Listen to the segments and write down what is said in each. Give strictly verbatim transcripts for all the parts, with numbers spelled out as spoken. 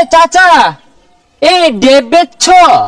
চাচা এই ডেব বেচছ?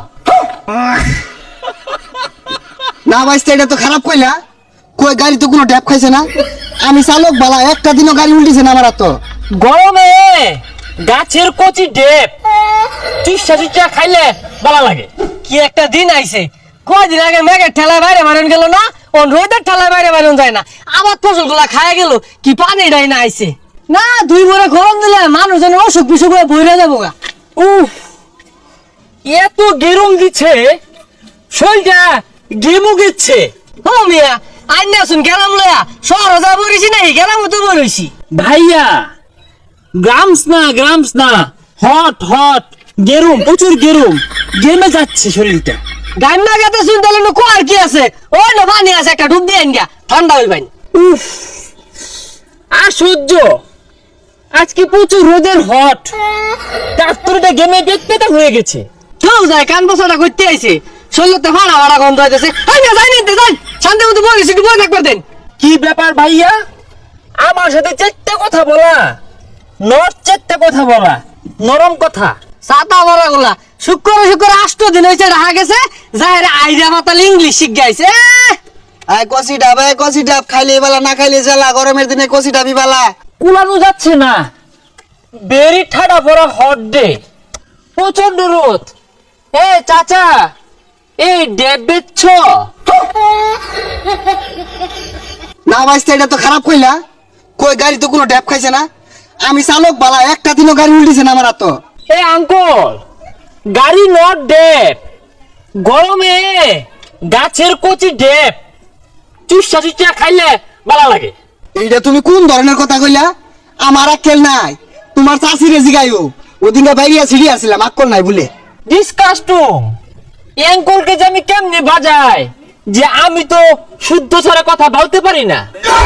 না ভাইস্তে, এটা তো খারাপ কইলা। কই গাড়ি তো কোনো ড্যাপ খাইছে না। আমি চালক বালা, একটা দিনও গাড়ি উল্টিছে না আমার। তো গরমে গাছের কচি ডেব চুষা চুষা খাইলে ভালো লাগে। কি একটা দিন আইছে, কয়দিন আগে মেঘের ঠেলায় বাইরে বারণ গেল না, ও রোদের ঠেলায় বাইরে বারণ যায় না, আবার ফসল গুলা খায় গেল, কি পানি ডাই না আইছে না। দুই ভরে গরম দিলে মানুষ যেন অসুখ বিসুখ হয়ে বইরা যাবো গা। উফ, এত গেরুম দিচ্ছে, শরীরটা গেমু গেছে। ও মিয়া, আইন আসুন গেলাম লয়া, শহর যা বলেছি নাই গেলাম তো বলেছি। ভাইয়া গ্রামস না গ্রামস না, হট হট গেরুম, প্রচুর গেরুম, গেমে যাচ্ছে শরীরটা। গান না গাতে শুন তাহলে নো আর কি আছে, ওই না পানি আছে, একটা ডুব দিয়ে গা, ঠান্ডা হইবাই। উফ, আর সহ্য। আজকে প্রচুর রোদের হট, ট্রাক্টরটা গেমে পেট পেটা হয়ে গেছে। কেউ যায় কান বসাটা করতে আইছে, শরীরতে ফাড়া ফাড়া গন্ধ হইতেছে। আই না যাই নিতে যাই, শান্তি মতো বলেছি, একটু বই থাকবার দেন। কি ব্যাপার ভাইয়া, আমার সাথে চারটে কথা বলা, নর চারটে কথা বলা, নরম কথা। সাতা বড় গুলা শুক্র শুক্র আষ্ট দিন হয়েছে রাহা গেছে, যাই আইরা মাতাল ইংলিশ শিখ গাইছে। আয় কষি ডাব, আয় কষি ডাব, খাইলে বালা না খাইলে জ্বালা। গরমের দিনে কষি ডাবি বালা। কুলানো যাচ্ছে না, বেরি ঠাডা পড়া হট ডে, প্রচন্ড রোদ। এ চাচা এই ডেব বেচছ? না ভাইস্তে, এটা তো খারাপ কইলা। কই গাড়ি তো কোনো ড্যাপ খাইছে না। আমি চালক বালা, একটা দিনও গাড়ি উল্টিছে না আমার। তো এ আঙ্কল, গাড়ি নট ডেব, গরমে গাছের কচি ডেব চুষা চুষা খাইলে ভালো লাগে। এইটা তুমি কোন ধরনের কথা কইলা? আমার আক্কেল নাই, তোমার চাষিরে জিগাইও। ওদিনকে বাইরিয়া ছিড়ি আসছিলাম, আক্কল নাই বলে। ডিসকাস্টুম, অ্যাঙ্কলকে যে আমি কেমনে বাজাই, যে আমি তো শুদ্ধ ছাড়া কথা বলতে পারি না।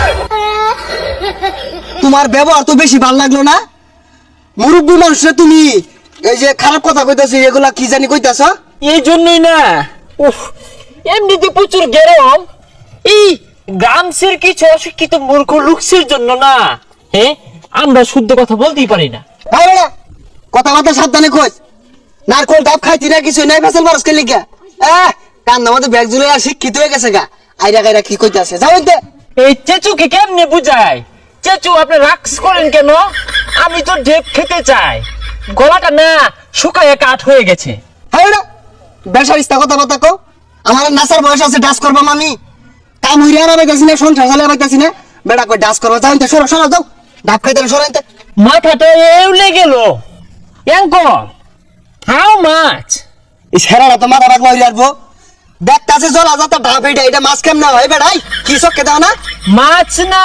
তোমার ব্যবহার তো বেশি ভাল লাগলো না। মুরব্বী মানুষরা তুমি এই যে খারাপ কথা কইতাছো, এগুলা কি জানি কইতাছ? এই জন্যই না, উফ, এমনিতে প্রচুর গরম, এই গ্রামসের কিছু অশিক্ষিত মূর্খ লুকসের জন্য না, হ্যাঁ আমরা শুদ্ধ কথা বলতেই পারি না। কথাবার্তা সাবধানে কইস। নারকল ডাব খাইতি না, কিছু নাই, ফেসল বারস কে লিখা। আহ কান্দা মধ্যে ব্যাগ ঝুলে আর শিক্ষিত হয়ে গেছে গা। আইরা গাইরা কি কইতাছে যাও দে। এই চেচুকে কেমনে বুঝাই? চেচু আপনি রাক্স করেন কেন? আমি তো ডেপ খেতে চাই, গলাটা না শুকায় কাঠ হয়ে গেছে। হ্যাঁ বেসারিস্তা কথাবার্তা কো। আমার নাসার বয়স আছে, ডাস করবাম আমি। কাম হইরে আর পাইতাছি না, সংসার চালিয়ে পাইতাছি না, বেড়া কই ডাস করবা। যাও সরো সরো যাও, ডাব খাইতে সরাইতে। মাথাটা এউলে গেল। Uncle, how much? এই সেরাটা তো মাথা রাখবা হইরে আসবো। দেখতাছে জলা যাতা ডাব, এইটা এটা মাছ কেমন হয় বেড়াই? কি চক্কে দাও না? মাছ না,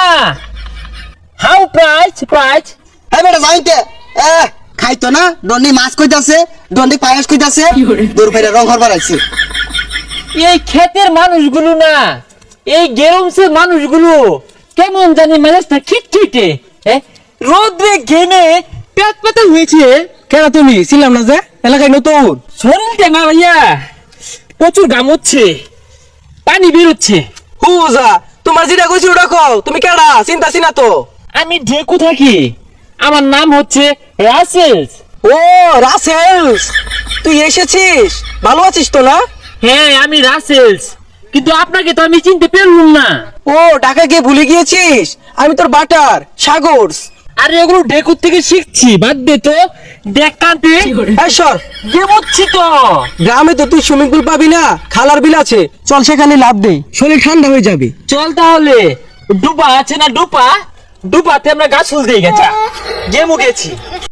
হাউ প্রাইস প্রাইস? হ্যাঁ বেটা যাইতে। এ খাইতো না, দন্ডি মাছ কইতাছে, দন্ডি পায়েস কইতাছে, দূর ফেরে রং হরবার আইছে। এই ক্ষেতের মানুষগুলো না, এই গেরমসের মানুষগুলো কেমন জানি মেজাজটা খিটখিটে, রোদ্রে ঘেমে পেট পেতে হয়েছে। কেন তুমি ছিলাম না যে এলাকায় নতুন? শরীরটা না ভাইয়া প্রচুর ঘাম হচ্ছে, পানি বেরোচ্ছে। হুজা, তোমার যেটা কইছি ওটা কও, তুমি কেডা চিন্তা চিনা তো? আমি ঢেকু থাকি, আমার নাম হচ্ছে রাসেলস। ও রাসেলস, তুই এসেছিস? ভালো আছিস তো না? হ্যাঁ আমি রাসেলস, কিন্তু আপনাকে তো আমি চিনতে পারলাম না। ও ঢাকা গিয়ে ভুলে গিয়েছিস? আমি তোর বাটার সাগরস। আরে ওগুলো ঢেকুর থেকে শিখছি, বাদ দে তো। ডেকাতে এই সর, গেমচ্ছি তো। গ্রামে তো তুই সুইমিং পুল পাবি না, খালার বিল আছে, চল সেখানে লাভ দে, শরীর ঠান্ডা হয়ে যাবে। চল তাহলে, ডুবা আছে না ডুপা, ডুপাতে আমরা গাছ ফুল দিয়ে গেছে, গেমু গেছি।